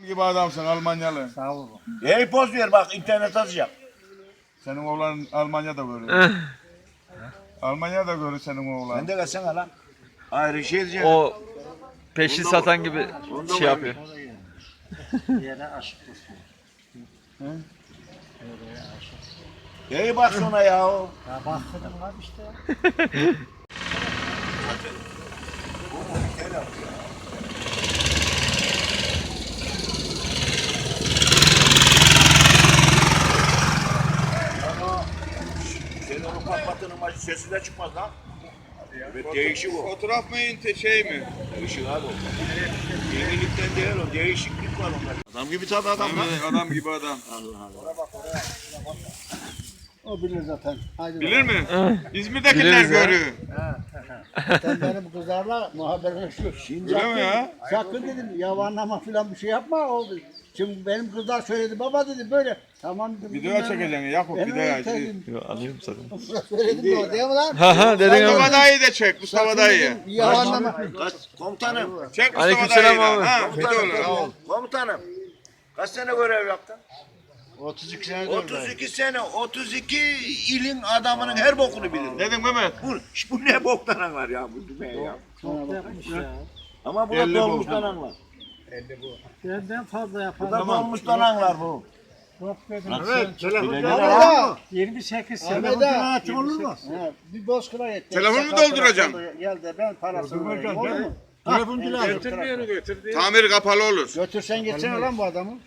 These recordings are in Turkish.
gibi adamsın Almanyalı. Sağ olun. Hey poz ver bak internet atacak. Senin oğlan Almanya'da görüyor. Almanya'da görüyor senin oğlan. Sen de gelsene lan. Ayrı şey diyeceğim. O peşin satan gibi şey yapıyor. Yere aşık olsun. Hey bak şuna ya. Ya bahsedin var işte. Senin o patlatının maçı sesi de çıkmaz lan. Evet değişik o. Fotoğraf mı şey mi? Değişik abi o. Yenilikten değil o. Değişiklik var onda. Adam gibi tabii adam lan. Adam gibi adam. Allah Allah. O bilir zaten. Haydi Bilir mi? İzmir'dekiler Biliriz ya. görüyor. Sen benim kızlarla muhaberleşiyor. Şimdi Öyle mi ya? sakın dedim yavanlama falan bir şey yapma oldu. Şimdi benim kızlar söyledi baba dedi böyle. Tamam dedim. Video çekeceksin Yakup Ben video öyle aç. dedim. Yo, alıyorum zaten. Söyledim de o değil mi lan? Ha dedin Mustafa ama. dayı da çek Mustafa dayı. Yavanlama. Komutanım. Çek Mustafa Aleykümselam dayıyı da. abi. Ha video olur. Komutanım. Kaç sene görev yaptın? 32 sene 32 sene. 32 ilin adamının her bokunu bilirim. Dedin Mehmet. Bu ne boktan anlar ya bu düğmeye ya. Çok yapmış ya. Ama bu da 50 dolmuştan anlar. Benden fazla Bu yapar. da dolmuştan anlar bu. Evet, telefon Ahmet 28 sene. Ahmet olur mu? Bir bozkıra yetti. Telefon mu dolduracağım? Gel de ben parasını vereyim. Olur mu? Telefoncu lazım. Tamir kapalı olur. Götürsen geçsene lan bu adamı.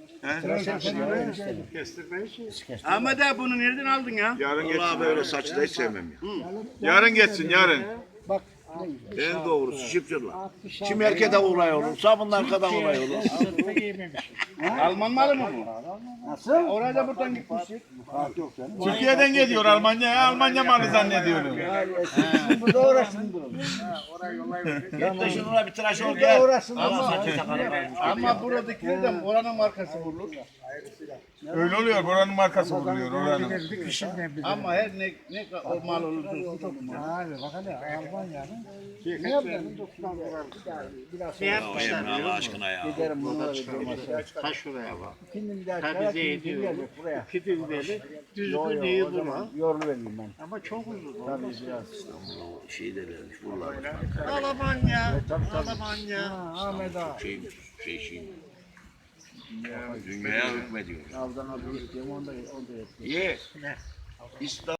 Ahmet abi bunu nereden aldın ya? Yarın Vallahi geçsin. böyle saçı da hiç sevmem ya. Yarın geçsin yarın. Bak. En doğrusu şıpçırlar. Kim erkede olay olur, sabunun arkadan olay olur. Alman malı mı bu? Nasıl? Oraya da buradan gitmişsin. Türkiye'den geliyor Almanya'ya. Almanya malı zannediyorum. Şimdi burada uğraşsın durun. Git de şununla bir tıraş ol Burada gel. uğraşsın Ama buradakiler de oranın markası vurulur. Öyle oluyor. Buranın markası vuruluyor. Oranın. Ama her ne o mal olursa olsun. Abi bak hele Almanya'nın ne yaptın? Biraz Ne yapmışlar? Allah aşkına ya. giderim bunlara bir Ta şuraya bak. İkinci bir daha Ta çarak bize kim ediyor. gelecek buraya? İki düzmeli. Düzgün O değil zaman buna. yolunu vereyim ben. Ama çok uzun. Tabii biraz. Şey de vermiş, buralar. Almanya. Almanya. Ahmet ağa. Şey. Dünyaya hükmediyor. Avdan aldım diyorum onda yapıyor. Ye. İslam.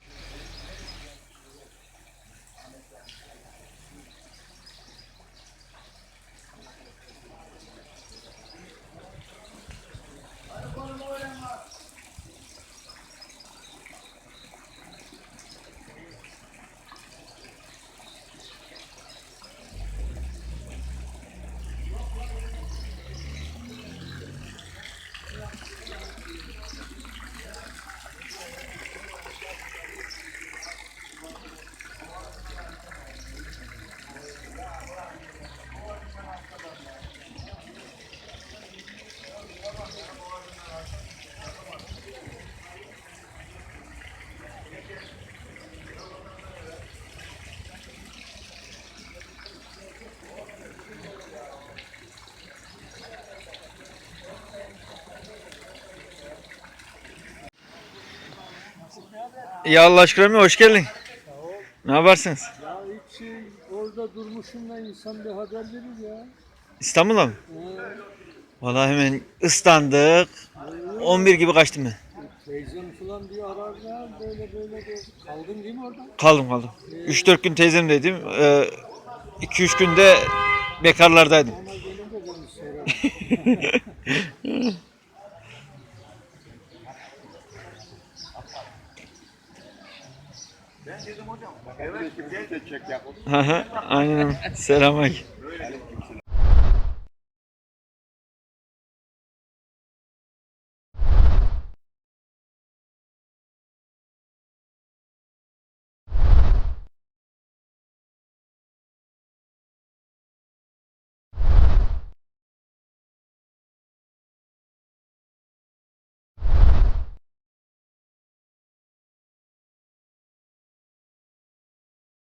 Ya Allah aşkına hoş geldin. Ne yaparsınız? Ya hiç orada durmuşum da insan bir haber verir ya. İstanbul'a mı? Vallahi hemen ıslandık. 11 gibi kaçtım ben. Teyzem falan diye ararlar böyle de. Kaldın değil mi orada? Kaldım. 3-4 gün teyzemdeydim. 2-3 günde bekarlardaydım. Ama gelince beni sorar. Ben dedim hocam. Evet, bir de çek Yakup. Aynen. Selamünaleyküm.